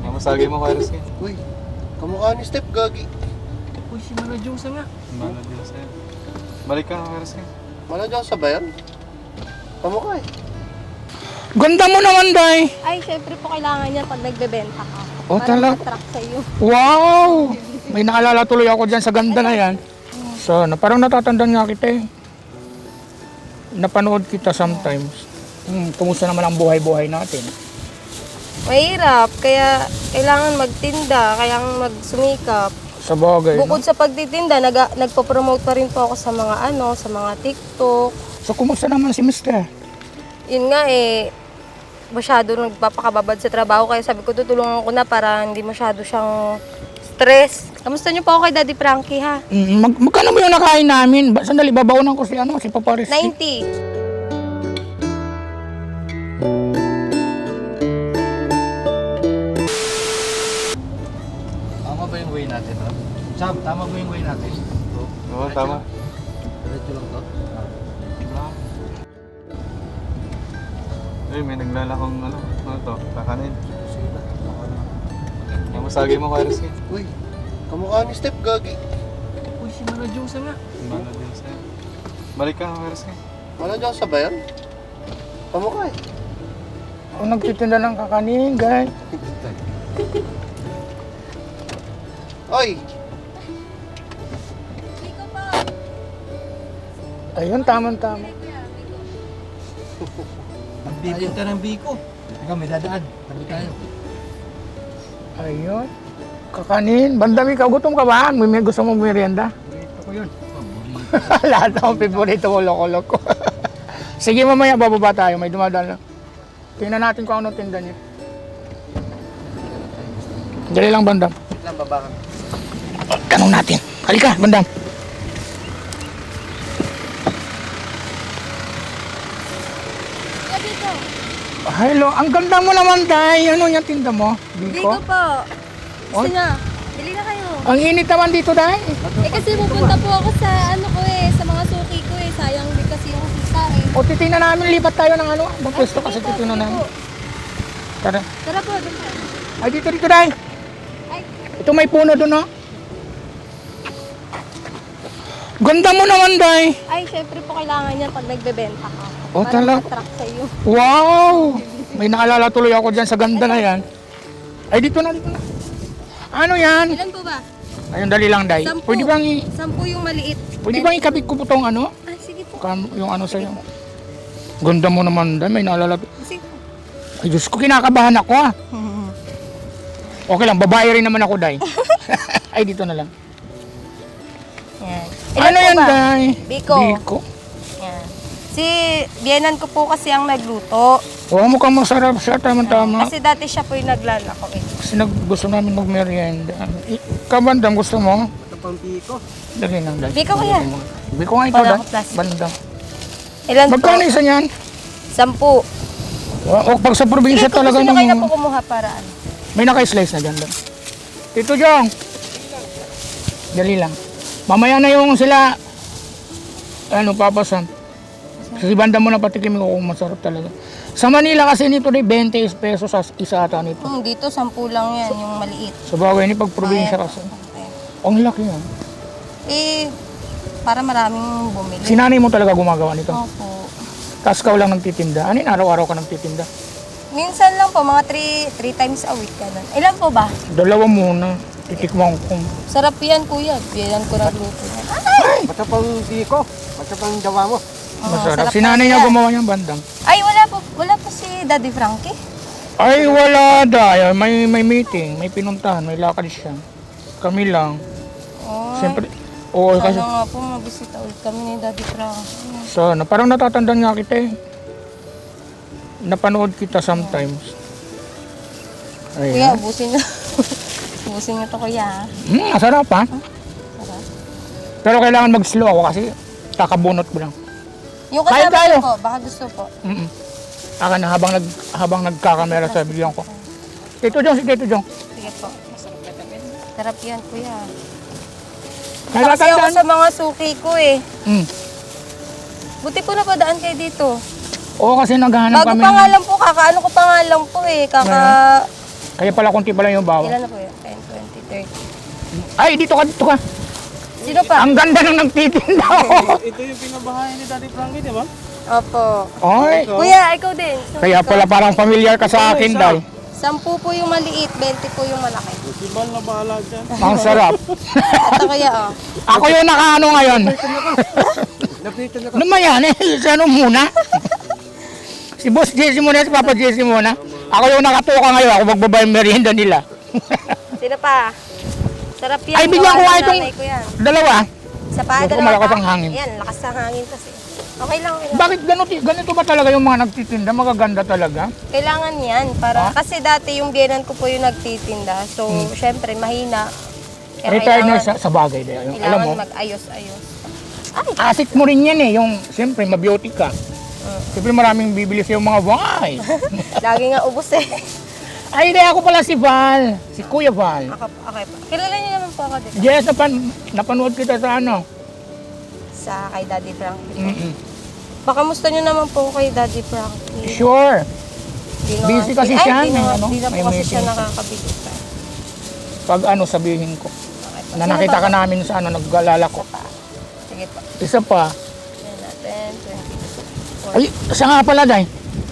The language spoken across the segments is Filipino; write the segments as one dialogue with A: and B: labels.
A: Masagay mo, Kairos ka.
B: Uy, kamukha ni Step, gagi.
C: Uy, si Mala Diyosa nga.
A: Mala Diyos sa'yo. Balik ka, Kairos ka.
B: Mala dyan sa bayan? Kamukha eh.
D: Ganda mo naman, Day.
E: Ay, syempre po kailangan yan pag nagbebenta ka.
D: Oh,
E: Para
D: talaga?
E: ma-attract sa'yo.
D: Wow! May naalala tuloy ako dyan sa ganda na yan. So, parang natatandaan nga kita eh. Napanood kita sometimes. Kumusta naman ang buhay-buhay natin?
E: Mahirap, kaya kailangan magtinda, kailangan magsumikap.
D: Sa bagay.
E: Bukod sa pagtitinda, nagpo-promote pa rin po ako sa mga sa mga TikTok.
D: So, kumusta naman si Mister?
E: Yun nga masyado nagpapakababad sa trabaho, kaya sabi ko tutulungan ko na para hindi masyado siyang stress. Kamusta niyo po ako kay Daddy Frankie, ha?
D: Magkano mo yung nakain namin? Sandali, babaonan ko si Papa Rizky.
E: 90.
C: Tama ba yung way natin, ha? Sam, tama ba yung way natin?
A: Oo, tama.
C: Diretso lang to.
A: Ay, may naglalakong ano to, kakanin. Masagay mo, Kairos ka.
B: Uy, kamukha ni Step, gagi.
C: Uy, si Mala Diyosa nga.
A: Mala Diyos sa'yo. Balik ka, Kairos ka.
B: Mala dyan sa bayan? Kamukha eh.
D: Kung nagtitinda ng kakanin, guys.
B: Oy,
D: Ayun, tama-tama.
C: Magbibinta ng biko. Teka, may dadaan. Tabi tayo.
D: Ayun. Kakanin. Bandami ka, gutom ka ba? May gusto mong merienda?
C: Ito ko yun.
D: Lahat ng favorito ko, loko-loko. Sige, mamaya bababa tayo. May dumadaan lang. Tingnan natin kung ano tinda niya. Dali lang, Bandam.
B: lang baba ka.
D: Tanong natin. Halika, Bandam.
E: Dito.
D: Hello, ang ganda mo naman, Day. Ano yung tinda mo?
E: Biko
D: Biko?
E: po. Gusto
D: Oy.
E: niya. Bili na kayo.
D: Ang init naman dito, Day.
E: Kasi pupunta po ako sa sa mga suki ko sayang din kasi yung kita
D: O, titingnan namin. Lipat tayo ng ano. Magpwesto kasi
E: sige po,
D: titingnan
E: sige
D: namin.
E: po.
D: Tara.
E: Tara po, doon tayo.
D: Ay, dito, Day.
E: Ay,
D: Ito may puno doon, no? Ganda mo naman, Day.
E: ay, syempre po kailangan yan pag nagbebenta ka.
D: Oh,
E: para
D: talaga?
E: ma-attract sa'yo.
D: Wow! May naalala tuloy ako dyan sa ganda na yan. Ay, dito na, dito na. Ano yan?
E: Ilan po ba?
D: Ayun, dali lang, Day.
E: 10.
D: Pwede bang,
E: 10 yung maliit.
D: pwede bang ikabit ko po tong ano?
E: Ay, sige po.
D: Yung ano sa'yo. Ganda mo naman, Day. May naalala.
E: Sige po.
D: Ay, Diyos ko, kinakabahan ako, ah. Okay lang, babae rin naman ako, Day. Ay, dito na lang.
E: Yan.
D: Ano
E: po
D: yan,
E: ba?
D: Day?
E: Biko.
D: Biko.
E: Yan. Si biyenan ko po kasi ang nagluto.
D: Oh, mukhang masarap siya, tama-tama.
E: Kasi dati siya po yung naglalako
D: Kasi gusto namin mag-merienda. Kabandam, gusto mo?
B: Ito pang piko.
D: Dali lang, Day.
E: Biko ko yan.
D: Biko nga ito,
E: Wala
D: Day.
E: akong plastic.
D: Bandam.
E: Ilan
D: Magkano
E: po?
D: isa niyan?
E: 10.
D: O, pag sa probinsya
E: Sige, kung
D: talaga
E: gusto nyo kayo na
D: nung...
E: po kumuha para ano.
D: May naka-slice na dyan. Day. Tito Jong. Dali lang. Mamaya na yung sila... Ano, papasan. Kasi banda mo na patikim ko kung masarap talaga. Sa Manila kasi nito na 20 pesos sa isa ata nito.
E: Dito 10 lang yan, yung maliit.
D: Sa bagay ni pag probinsya kasi. Ang laki yan.
E: Para maraming bumili.
D: Si nanay mo talaga gumagawa nito.
E: Opo.
D: Tapos ikaw lang nagtitinda. Ano yun, araw-araw ka nagtitinda?
E: Minsan lang po, mga 3 times a week. Ganun. Ilan po ba?
D: Dalawa muna. Titikman ko.
E: Sarap yan, kuya. Biyan ko nagluto yan.
B: Basta pang piko. Basta pang dawa mo.
D: Masarap.
E: sarap
D: Si nanay
E: yan.
D: niya gumawa niyang bandang.
E: Ay, wala po si Daddy Frankie.
D: Ay, wala da. May meeting, may pinuntahan, may lakad siya. Kami lang.
E: Oh,
D: Siyempre, oo, kasi
E: sana nga po mabisita ulit kami ni Daddy Frankie.
D: sana. Parang natatandaan nga kita eh. Napanood kita sometimes.
E: Kuya,
D: Ayun.
E: ubusin niyo. Ubusin niyo to, kuya.
D: Masarap ha.
E: Sarap.
D: Pero kailangan mag-slow ako kasi kakabunot ko lang.
E: Yung
D: Kain
E: kasama
D: tayo.
E: niyo po, baka gusto po.
D: Akin na habang nagkakamera sa bigyan ko. Tito Jong, si Tito Jong.
E: Sige po. Sarap yan, kuya.
D: May
E: Kasi ako
D: tatandaan.
E: sa mga suki ko eh.
D: Mm.
E: Buti po napadaan kayo dito.
D: Oo, kasi naghahanap
E: Bago
D: kami.
E: pa nga lang po, kakaano ko pa nga lang po eh.
D: Kaya pala konti pala yung bawang.
E: Ilan na po yun? 10, 20, 30.
D: Ay, dito ka.
E: Sino pa?
D: Ang ganda ng nagtitinda.
A: Ito yung pinabahay ni Daddy Frankie, di ba?
E: Opo.
D: Ay,
E: Kuya, ikaw din.
D: kaya pala parang familiar ka sa akin, Day.
E: 10 po yung maliit, 20 po yung malaki.
A: Si Bal na bahala dyan.
D: Ang sarap.
E: Ito kaya oh.
D: Ako yung nakaano ngayon.
B: Napitan na ka.
D: Ano ba yan eh? Sa ano muna? Si Boss Jesse muna, si Papa Jesse muna. Ako yung nakatuka ngayon. Ako magbaba yung merienda nila.
E: Sino pa? Sarap yan.
D: Ay, bigyan ko
E: gawa
D: nga
E: ng
D: itong
E: nanay ko yan.
D: dalawa.
E: Isa pa,
D: Gusto ko
E: dalawa
D: malakas
E: pa.
D: ang hangin.
E: Yan, lakas ang hangin kasi. Okay lang, okay lang.
D: Bakit ganito ba talaga yung mga nagtitinda? Magaganda talaga.
E: Kailangan yan para kasi dati yung biyenan ko po yung nagtitinda. So, syempre mahina. Kaya
D: Retired na
E: kailangan-
D: sa bagay. Alam
E: Kailangan
D: mo,
E: mag-ayos-ayos.
D: asset mo rin yan eh. Yung, siyempre, mabiyoti ka. Siyempre, maraming bibili sa mga wine.
E: Lagi nga ubos eh.
D: Ay, hindi ako pala si Val. Si Kuya Val.
E: Okay pa. Kilala niyo naman po ako dito.
D: Yes, napanood kita sa ano.
E: Sa kay Daddy Frankie.
D: Mm-mm.
E: Baka musta niyo naman po kay Daddy Frankie.
D: Sure.
E: Di na-
D: Busy kasi
E: Ay,
D: siya,
E: Di
D: may
E: na,
D: ano,
E: di na
D: may
E: po kasi siya
D: meeting.
E: nakakabigit pa.
D: Pag ano, sabihin ko.
E: Okay pa.
D: Na
E: Sino
D: nakita
E: pa?
D: ka namin sa ano, naglalala ko.
E: Pa. Sige pa.
D: Isa pa.
E: Yan natin. 20.
D: Ay, siya nga pala, Day.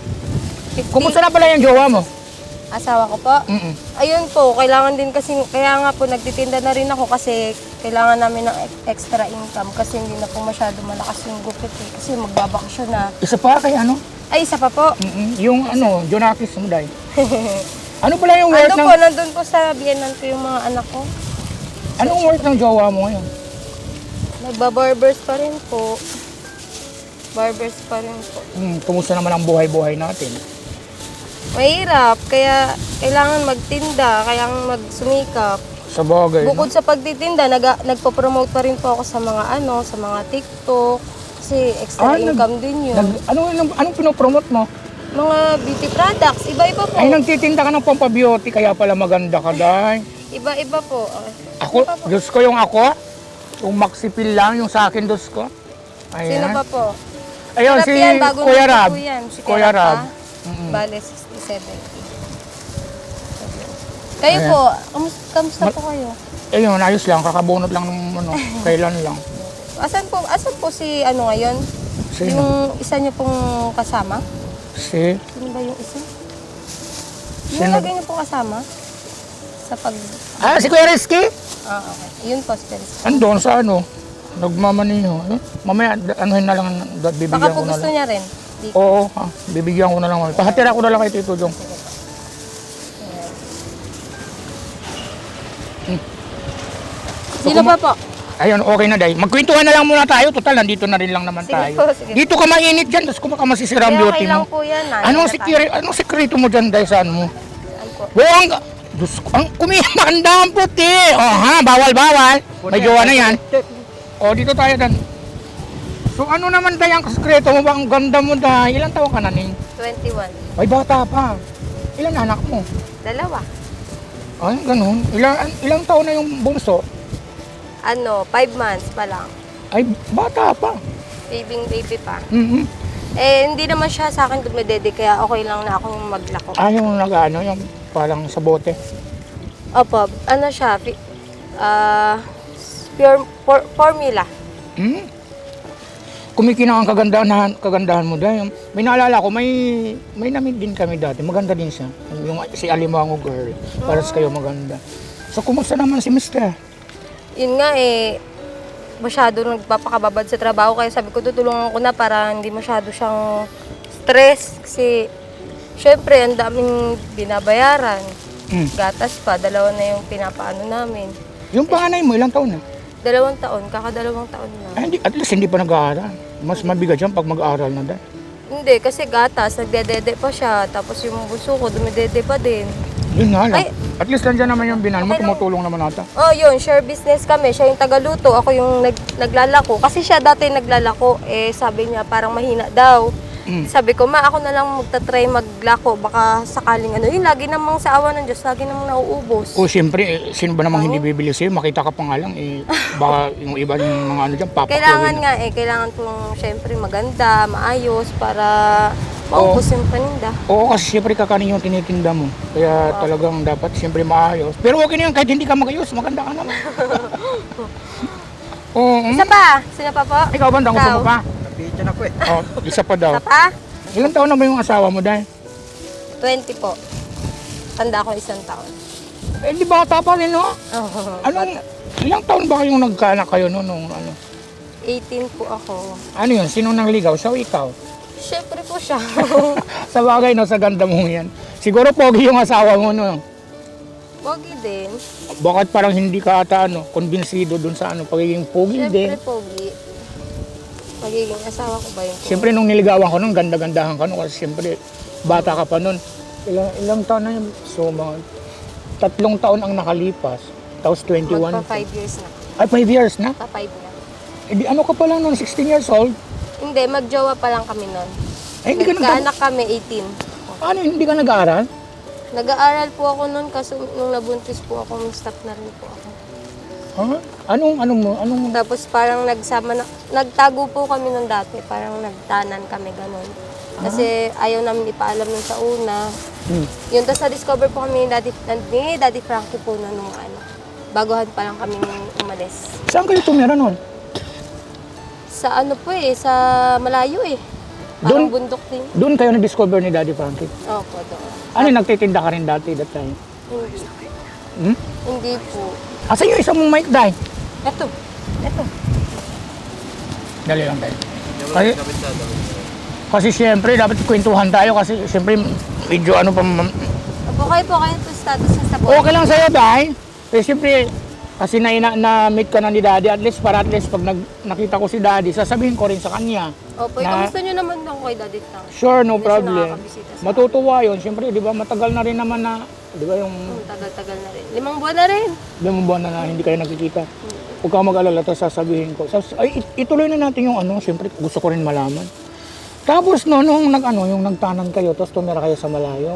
E: 50.
D: Kumusta na pala yung jowa mo?
E: Asawa ko po.
D: Mm-mm.
E: Ayun po, kailangan din kasi, kaya nga po nagtitinda na rin ako kasi kailangan namin ng extra income kasi hindi na po masyado malakas yung gupit eh. Kasi magbabakasyon na.
D: Isa pa kay ano?
E: Ay, isa pa po.
D: Mm-mm. Yung ano, Jonakis mo, Day. Ano pala yung work
E: Ando
D: ng...
E: po, nandun po sa biyenan ko yung mga anak ko.
D: Anong work ng jowa mo ngayon?
E: Nagbabarbers pa rin po. Barbers pa rin po.
D: Kumusta naman ang buhay-buhay natin?
E: Mahirap, kaya kailangan magtinda, kailangan magsumikap.
D: Sa bagay.
E: Bukod sa pagtitinda, nagpo-promote pa rin po ako sa mga sa mga TikTok. Kasi extra income din yun.
D: Anong pinopromote mo?
E: Mga beauty products, iba-iba po.
D: Ay, nagtitinda ka ng pampabeauty, kaya pala maganda ka, Day.
E: Iba-iba po.
D: Ako, Diyos ko yung ako. Yung maxipil lang, yung sa akin, Diyos ko.
E: Sino
D: Ayan.
E: ba po?
D: Ayun,
E: Sarap
D: si
E: yan, bagong
D: Kuya
E: luto
D: Rab.
E: po yan. Si
D: Kuya Rab.
E: Bale, 60-70. Kayo
D: Ayan.
E: po, kamusta po kayo?
D: Ayun, ayos lang. Kakabunot lang ng ano, kailan lang.
E: Asan po si ngayon?
D: Sino?
E: Yung isa niyo pong kasama?
D: Si...
E: Sino ba yung isa?
D: Sino?
E: Yung lagay niyo pong kasama? Sa pag...
D: Ah, si Kuya Rizky?
E: okay. Yun po, si Peris.
D: Andun sa ano, nagmamaniho. Mamaya, anuhin na lang, bibigyan
E: Baka
D: ko
E: po
D: na
E: gusto
D: lang.
E: niya rin. Di
D: Oo, bibigyan ko na lang. Pahatira ko na lang kay Tito Jong.
E: Sino pa po?
D: Ayun, okay na, Day. Magkwentuhan na lang muna tayo. Total, nandito na rin lang naman
E: Sige
D: tayo.
E: po, sige.
D: Dito ka mainit dyan, tapos kumaka masisira ang
E: Kaya
D: beauty
E: okay lang
D: mo.
E: po yan.
D: Anong sekreto mo dyan, Day, sa ano mo?
E: Ano po?
D: Buong, Diyos ko, ang kumihanda ang puti. Oh, ha, bawal. May jowa na yan. O, dito tayo dan. So, ano naman, Day, ang sekreto mo ba? Ang ganda mo, Day. Ilang taon ka na, Ning?
E: 21.
D: Ay, bata pa. Ilan anak mo?
E: 2.
D: Ay, ganun. Ilang taon na yung bunso?
E: 5 months pa lang.
D: Ay, bata pa.
E: Baby pa.
D: Mm-hmm.
E: Eh, hindi naman siya sa akin dumedede, kaya okay lang na akong maglako.
D: Ah, yung nag-ano, yung parang sa bote.
E: Opo, ano siya, pure formula.
D: Hmm? Kumikinang ang kagandahan mo dahil. May naalala ko, may namit din kami dati. Maganda din siya. Yung si Alimango girl. Paras kayo maganda. So, kumusta naman si Mister?
E: Yun nga masyado nagpapakababad sa trabaho, kaya sabi ko tutulungan ko na para hindi masyado siyang stress. Kasi, syempre, ang daming binabayaran. Gatas pa, 2 na yung pinapaano namin.
D: Yung panganay mo, ilang taon na?
E: 2 taon, kaka-2 taon na.
D: Ay, hindi, at least hindi pa nag-aaral. Mas mabigat yan pag mag-aaral na dahil.
E: Hindi, kasi gatas, nagdedede pa siya. Tapos yung buso ko, dumidede pa din.
D: Yun nga lang.
E: Ay.
D: At least nandiyan naman yung binan mo,
E: Okay lang.
D: tumutulong naman ata.
E: Oh, yun, share business kami. Siya yung tagaluto, ako yung naglalako. Kasi siya dati naglalako, sabi niya parang mahina daw. Sabi ko, ako na lang magta-try maglako. Baka sakaling yun, lagi namang sa awa ng Diyos, lagi namang nauubos.
D: O siyempre, sino ba namang hindi bibili sa'yo? Makita ka pa nga lang, baka yung iba yung mga ano dyan,
E: Kailangan
D: papakuloy na.
E: nga kailangan pong syempre maganda, maayos, para Maubos yung paninda.
D: Oo, kasi siyempre kakanin yung tinitinda mo. Kaya talagang dapat siyempre maayos. Pero okay na yun, kahit hindi ka magayos, maganda ka naman. Oo.
E: Isa pa! Sino pa po?
D: Ikaw ba, gusto mo pa?
B: Napichan ako eh.
D: Oh, isa pa daw.
E: Isa pa?
D: Ilang taon na ba yung asawa mo, Day?
E: 20 po. Tanda ko 1 taon.
D: Eh, di bata pa rin, no?
E: Oh,
D: Anong, ilang taon ba kayong nagkaanak kayo no? Nung, ano?
E: 18 po ako.
D: Ano yun? Sino nang ligaw? Siya o ikaw?
E: Siyempre po siya.
D: Sa bagay, no? Sa ganda mo yan. Siguro pogi yung asawa mo, no?
E: Pogi din.
D: Bakit parang hindi ka ata, ano, konbinsido dun sa, ano, pagiging pogi din?
E: Siyempre pogi. Magiging asawa ko ba yun?
D: Siyempre, nung niligawan ko nun, ganda-gandahan ka nun. Kasi siyempre, bata ka pa nun. Ilang taon na yun? So, mga 3 taon ang nakalipas. Tapos 21.
E: Magpa 5 years na.
D: Ay, 5 years na?
E: Pa 5 na.
D: Eh, di, ano ka pa lang nun? 16 years old?
E: Hindi, magjowa pa lang kami nun.
D: Ay, hindi ka
E: Nagkaanak kami 18.
D: Ano, hindi ka nag-aaral?
E: Nag-aaral po ako nun kasi nung nabuntis po ako, stop na rin po ako.
D: Ha? Anong
E: Tapos parang nagtago po kami nun dati, parang nagtanan kami ganun. Kasi ayaw namin ipaalam nun sa una. Yun, tapos na-discover po kami ni Daddy Frankie po na nung ano, baguhan pa lang kami umalis.
D: Saan kayo tumira nun?
E: Sa ano po eh, sa malayo eh. Parang bundok din.
D: Doon kayo na-discover ni Daddy Frankie.
E: Opo, doon.
D: Ano, nagtitinda ka rin dati that time?
E: Hindi.
D: Hmm?
E: Hindi po.
D: Asa yung isang mong mic, Day?
E: Eto.
D: Dali lang tayo. Kasi siyempre, dapat kwentuhan tayo kasi siyempre, medyo ano pa...
E: Opo, kayo po kayo to status niya sa buhay.
D: Okay lang sa'yo, Day. Kasi siyempre, kasi na-meet ka na ni Daddy, at least pag nakita ko si Daddy, sasabihin ko rin sa kanya.
E: Opo,
D: na-
E: kamusta nyo naman daw kay Daddy Frank?
D: Sure, no
E: Hindi siya
D: problem.
E: nakakabisita sa
D: Matutuwa yun. Siyempre, di ba, matagal na rin naman na, di ba, yung
E: Tagal-tagal na rin. 5 buwan na rin.
D: limang buwan na hindi kayo nagkikita. Huwag ka mag-alala, tapos sasabihin ko. Ay, ituloy na natin yung ano, siyempre, gusto ko rin malaman. Tapos no, nung yung nagtanan kayo, tapos tumira kayo sa malayo.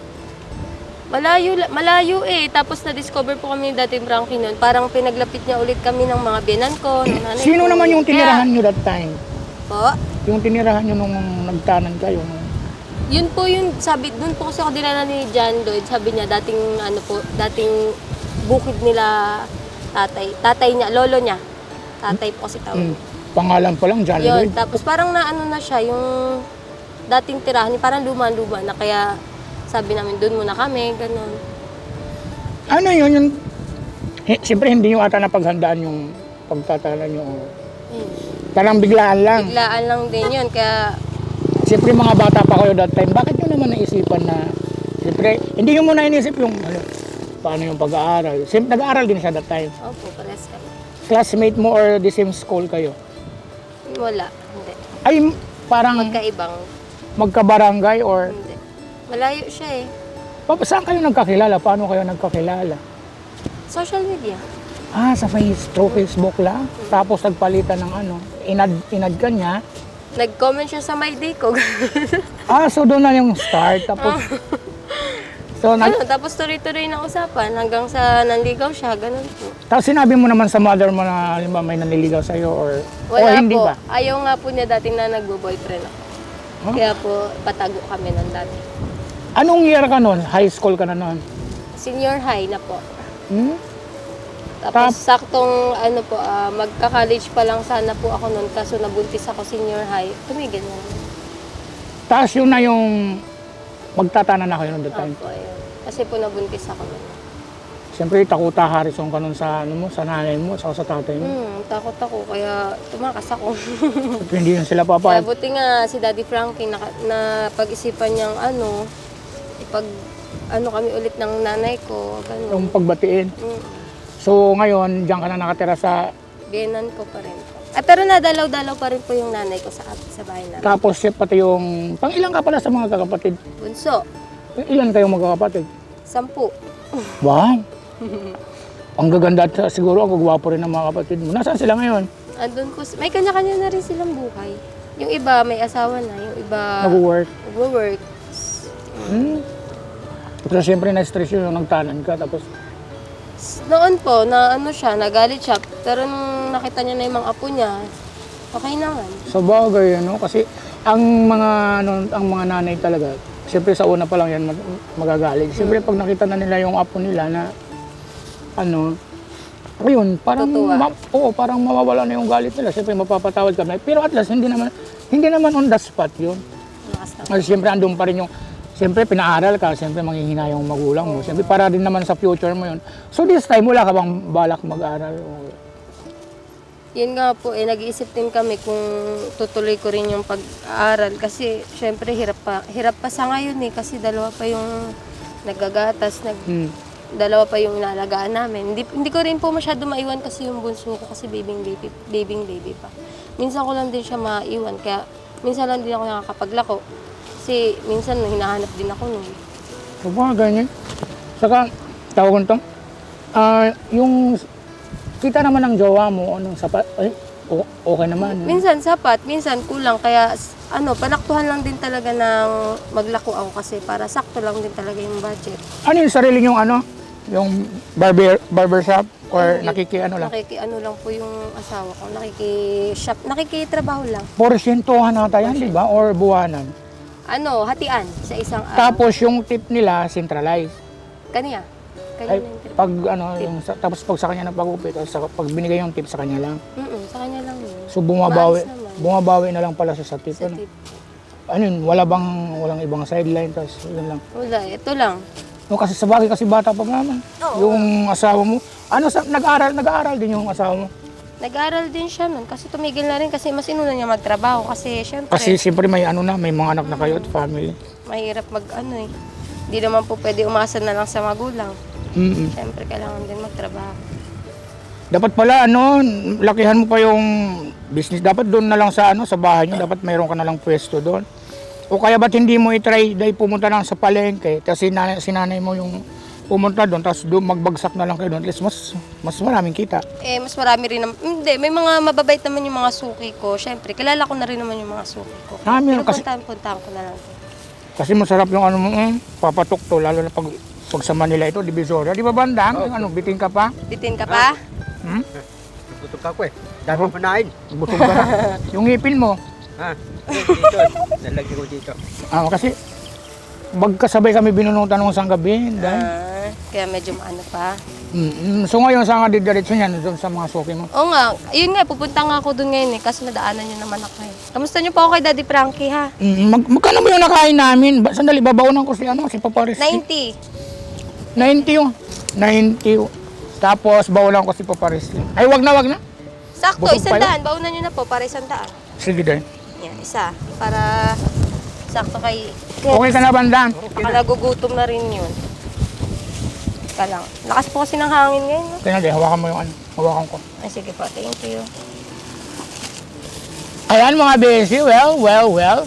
E: Malayo eh. Tapos na-discover po kami ni Daddy Frankie noon. Parang pinaglapit niya ulit kami ng mga biyanan ko, ng nanay
D: Sino
E: ko.
D: naman yung tinirahan
E: Kaya-
D: nyo that time?
E: Po?
D: Yung tinirahan nyo nung nagtanan kayo?
E: Yun po yung sabi, dun po kasi ako dinala ni John Lloyd. Sabi niya, dating bukid nila tatay niya, lolo niya. Tatay po kasi tawag.
D: Pangalan pa lang, John
E: Yun,
D: Lloyd.
E: tapos parang naano na siya, yung dating tirahan, parang luma-luma na kaya sabi namin, dun muna kami, ganun.
D: Ano yun? Yung, siyempre, hindi nyo ata napaghandaan yung pagtatanan nyo. Parang biglaan lang.
E: Biglaan lang din yun, kaya
D: Siyempre, mga bata pa kayo that time. Bakit nyo naman naisipan na, siyempre, hindi nyo muna inisip yung, paano yung pag-aaral. Siyempre, nag-aaral din siya that time.
E: opo, pares kami.
D: Classmate mo or the same school kayo?
E: Wala, hindi.
D: Ay, parang
E: Magkaibang,
D: magkabarangay or...
E: hindi. Malayo siya eh.
D: Saan kayo nagkakilala? Paano kayo nagkakilala?
E: Social media.
D: Ah, sa Facebook lang. Tapos nagpalitan ng ano, inad ka niya.
E: Nag-comment siya sa my day ko.
D: Ah, so doon na yung start. Tapos, so,
E: Tapos tuloy-tuloy na usapan hanggang sa nanligaw siya, ganun po.
D: tapos sinabi mo naman sa mother mo na halimbawa may nanliligaw sa'yo or
E: Wala
D: hindi
E: po.
D: ba?
E: Ayaw nga po niya dati na nagbo-boyfriend ako.
D: Huh?
E: Kaya po, patago kami ng dati.
D: Anong year ka nun? High school ka na nun?
E: Senior high na po.
D: Hmm?
E: Tapos saktong magka-college pa lang sana po ako noon kaso nabuntis ako senior high. Tumigil na naman.
D: Tapos yun na yung magtatanan na kayo noon that time.
E: Opo, ayun. Kasi po nabuntis ako noon.
D: Siyempre, takuta Harrison ka nun sa, sa nanay mo, sa tatay mo.
E: Takot ako kaya tumakas ako.
D: At hindi yun sila
E: Kaya
D: papayag.
E: buti nga si Daddy Frankie na pag-isipan niyang kami ulit ng nanay ko. Ganun.
D: Yung pagbatiin. So ngayon, diyan ka na nakatira sa...
E: Biyenan ko pa rin po. Pero nadalaw-dalaw pa rin po yung nanay ko sa bahay namin.
D: Tapos pati yung... Pang ilan ka pala sa mga kakapatid?
E: Bunso,
D: Ilan kayong magkakapatid?
E: 10.
D: Wow! Ang gaganda at siguro ang gagwapo rin ng mga kapatid mo. Nasaan sila ngayon?
E: Andun po, may kanya-kanya na rin silang buhay. Yung iba may asawa na, yung iba
D: Nag-work?
E: nag-work.
D: Pero siyempre na-stress yun yung nagtanan ka. Tapos
E: Noon po, nagalit siya. Pero nung nakita niya na yung mga apo niya, Okay naman.
D: Sa bagay, ano? Kasi ang mga, ang mga nanay talaga, siyempre sa una pa lang yan magagalit. Siyempre pag nakita na nila yung apo nila na, ayun, parang,
E: Tutuwa.
D: parang mawawala na yung galit nila. Siyempre mapapatawad kami. Pero at least, hindi naman on the spot yun.
E: Lakas na.
D: Kasi siyempre andun pa rin yung, siyempre pinaaral ka, siyempre manghihina yung magulang mo. Siyempre para din naman sa future mo yun. So this time, wala ka bang balak mag-aral?
E: Yun nga po, nag-iisip din kami kung tutuloy ko rin yung pag-aaral. Kasi syempre hirap pa sa ngayon kasi dalawa pa yung nagagatas, dalawa pa yung inalagaan namin. Hindi ko rin po masyado maiwan kasi yung bunso ko kasi baby pa. Minsan ko lang din siya maiwan, kaya minsan lang din ako nakakapaglako. Kasi minsan hinahanap din ako nun.
D: So mga ganyan. Saka, tawag ko ito, yung kita naman ng jowa mo, anong sapat, okay naman.
E: Minsan sapat, minsan kulang. Kaya panaktuhan lang din talaga ng maglako ako kasi para sakto lang din talaga yung budget.
D: Ano yung sarili yung yung barbershop or nakikiano lang?
E: Nakikiano lang po yung asawa ko. Nakikitrabaho lang.
D: Porsyentuhan nata yan, di ba? Or buwanan?
E: Hatian sa isang araw.
D: Tapos yung tip nila, centralized.
E: Kanya
D: Ay,
E: yung trip.
D: pag tapos pag sa kanya nagpagupit, tapos pag binigay yung tip sa kanya lang.
E: Sa kanya lang yun.
D: So bumabawi,
E: Maalis naman.
D: bumabawi na lang pala siya sa tip.
E: Sa
D: Ano?
E: tip.
D: Ano yun, walang ibang sideline, tapos yun lang.
E: Wala, ito lang.
D: No, kasi sa bagay kasi bata pa naman.
E: Oo.
D: Yung asawa mo, nag-aaral din yung asawa mo.
E: Nag-aaral din siya nun kasi tumigil na rin kasi mas inuna niya magtrabaho kasi syempre
D: Kasi siyempre may may mga anak na kayo at family.
E: mahirap Hindi naman po pwede umasa na lang sa magulang. Syempre kailangan din magtrabaho.
D: Dapat pala lakihan mo pa yung business. Dapat doon na lang sa sa bahay niyo, dapat mayroon ka na lang pwesto doon. O kaya ba't hindi mo i-try dahil pumunta lang sa palengke, tapos sinanay mo yung pumunta doon, tapos doon magbagsak na lang kayo doon. At least mas maraming kita.
E: Mas marami rin naman. Hindi, may mga mababait naman yung mga suki ko. Syempre, kilala ko na rin naman yung mga suki ko. Puntahan ko na lang.
D: Kasi masarap yung papatok to, lalo na pag sa Manila ito, Divisoria. Di ba bandang? Bitin ka pa?
E: Bitin ka pa?
B: Gutom ka ko Dahil mo panain.
D: Busog ka na. Yung ngipin mo.
B: Ha? Dito. Nalagyan ko dito.
D: Kasi magkasabay kami binunutan ng isang gabi.
E: Kaya medyo pa.
D: So ngayon, saan ka didiretso niyan? Doon sa mga suki mo?
E: Oo nga, yun nga, pupunta nga ako doon ngayon kasi nadaanan niyo naman ako Kamusta niyo po ako kay Daddy Frankie ha?
D: Magkano ba yung nakain namin? Sandali, babaunan ko si Paparis.
E: 90.
D: 90 yun. 90. Tapos bawalan ko si Paparis. Ay, wag na.
E: Sakto,
D: Busog pa
E: 100. Baunan niyo na po para 100.
D: Sige din.
E: Yan, isa. Para sakto kay...
D: Okay ka na, bandang?
E: Baka nagugutom na rin yun. Ka lang. Lakas po kasi ng hangin ngayon. No?
D: Kaya na, hawakan mo yung hawakan ko.
E: Ay, sige po. Thank you.
D: Ayan mga besi, well.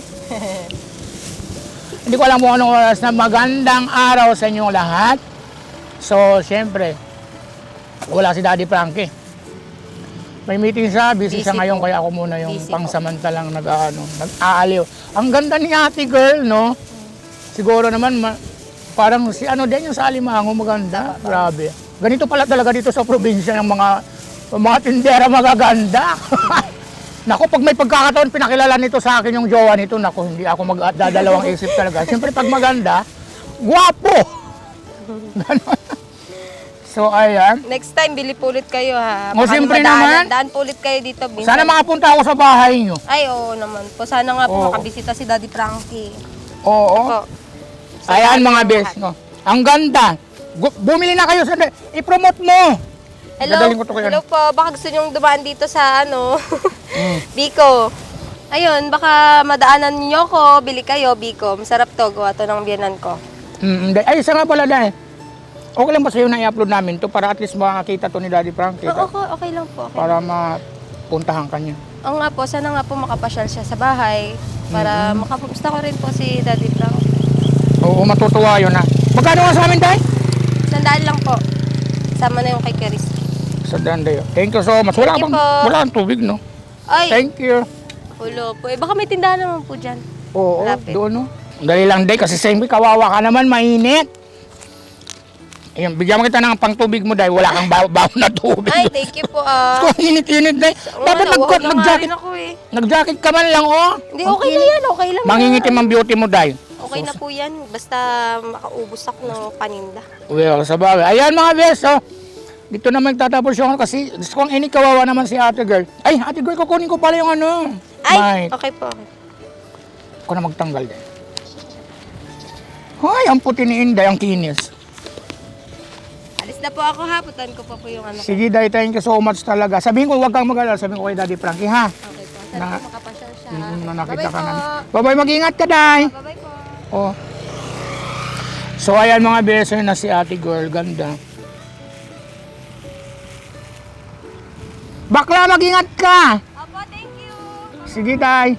D: Hindi ko alam kung anong oras na magandang araw sa inyong lahat. So, siyempre, wala si Daddy Frankie. May meeting siya, busy siya
E: Busy
D: ngayon,
E: po.
D: kaya ako muna yung
E: Busy po.
D: pangsamantalang nag-aaliw. Ang ganda ni Ate Girl, no? Siguro naman, parang si din yung sa Alimango, maganda. Grabe. Ganito pala talaga dito sa probinsya ng mga tindera magaganda. Naku, pag may pagkakataon, pinakilala nito sa akin yung jowa nito, naku, hindi ako magdadalawang isip talaga. Siyempre, pag maganda, gwapo! Ganon. So, ayan.
E: Next time, bili po ulit kayo ha.
D: O, siyempre naman.
E: Daan po ulit kayo dito.
D: Sana makapunta ako sa bahay nyo.
E: Ay, oo naman po. Sana nga po
D: Oo.
E: makabisita si Daddy Frankie.
D: Oo.
E: Po.
D: Ayan mga bes, no? Ang ganda. Bumili na kayo sa... I-promote mo. Dadalhin ko to kay
E: Hello po. Baka gusto nyong dumaan dito sa Biko. Ayun, baka madaanan niyo ko, bili kayo, Biko. Masarap to, gawa to ng biyanan ko.
D: Ay, isa nga pala dahil. Okay lang ba sa'yo na i-upload namin to para at least makakita to ni Daddy Frankie?
E: Okay lang po. Okay.
D: Para mapuntahan ka niya.
E: Oo nga po, sana nga po makapasyal siya sa bahay para makapusta ko rin po si Daddy Frankie.
D: Oo, matutuwa yun ha. Magkano nga sa amin dahil?
E: 100 lang po. Sama na yung kay Keris.
D: Sa Dandayo. Thank you so much. Wala
E: Thank you
D: bang,
E: po.
D: wala kang tubig, no?
E: Ay,
D: Thank you.
E: ulo po. Baka may tindahan naman po dyan.
D: Oo,
E: Lapit.
D: doon, no? Dali lang, day, kasi siyempre kawawa ka naman, mainit. Ayun, bigyan mo kita ng pangtubig mo dahil wala kang baon na tubig.
E: Ay, thank you po
D: Kung init-init dahil. Dapat nag-jacket.
E: ako eh.
D: Nag-jacket ka man lang, oh.
E: Hindi, okay na yan. Okay lang.
D: Mangingitim ang beauty mo dahil.
E: Okay na po yan. Basta makaubos ako ng paninda.
D: Well, sa bagay. Ayan mga bes, oh. Dito na magtatapos yung kasi gusto kong kawawa naman si ate girl. Ay, ate girl, kukunin ko pala yung ano.
E: Ay,
D: Mic.
E: okay po. Okay.
D: Ako na magtanggal din. Hoy, ang puti ni Inday, ang kinis.
E: Alis na po ako ha. Putan ko po yung ano.
D: Sige, Day, thank you so much talaga. Sabihin ko, huwag kang mag-alala. Sabihin ko kay Daddy Frankie, ha?
E: Okay po. Sana
D: Na-
E: po makapasyal siya.
D: Na nakita
E: Bye-bye
D: ka na.
E: po.
D: Bye-bye, mag-ingat ka, Day.
E: Bye-bye po.
D: Oh. So, ayan mga beso na si ate girl. Ganda. Bakla, mag-ingat ka.
E: Opo, thank you.
D: Sige, Day.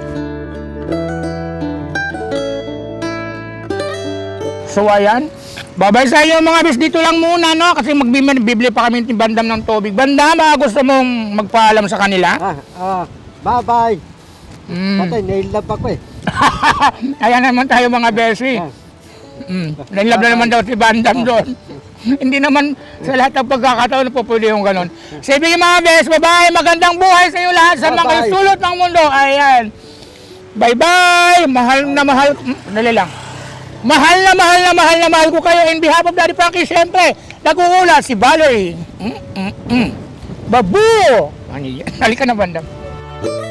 D: So, ayan. Babay sa inyo mga bis. Dito lang muna, no? Kasi magbibili pa kami ng bandam ng tubig. Bandam, gusto mong magpaalam sa kanila?
B: Bye-bye.
D: Mm.
B: Patay, nailap ako eh.
D: Ayan naman tayo mga besi. Nailab na naman daw si Bandam doon. Hindi naman sa lahat ng pagkakataon na po pwede yung ganon. Sige mga bes, bye-bye. Magandang buhay sa iyo lahat sa mga
B: Bye-bye.
D: sulot ng mundo. Ayan. Bye-bye. Mahal na mahal. Dali lang. Mahal na mahal na mahal na mahal ko kayo. In behalf of Daddy Frankie, siyempre, nag-uula si Valerie. Babu! Halika na, Bandam.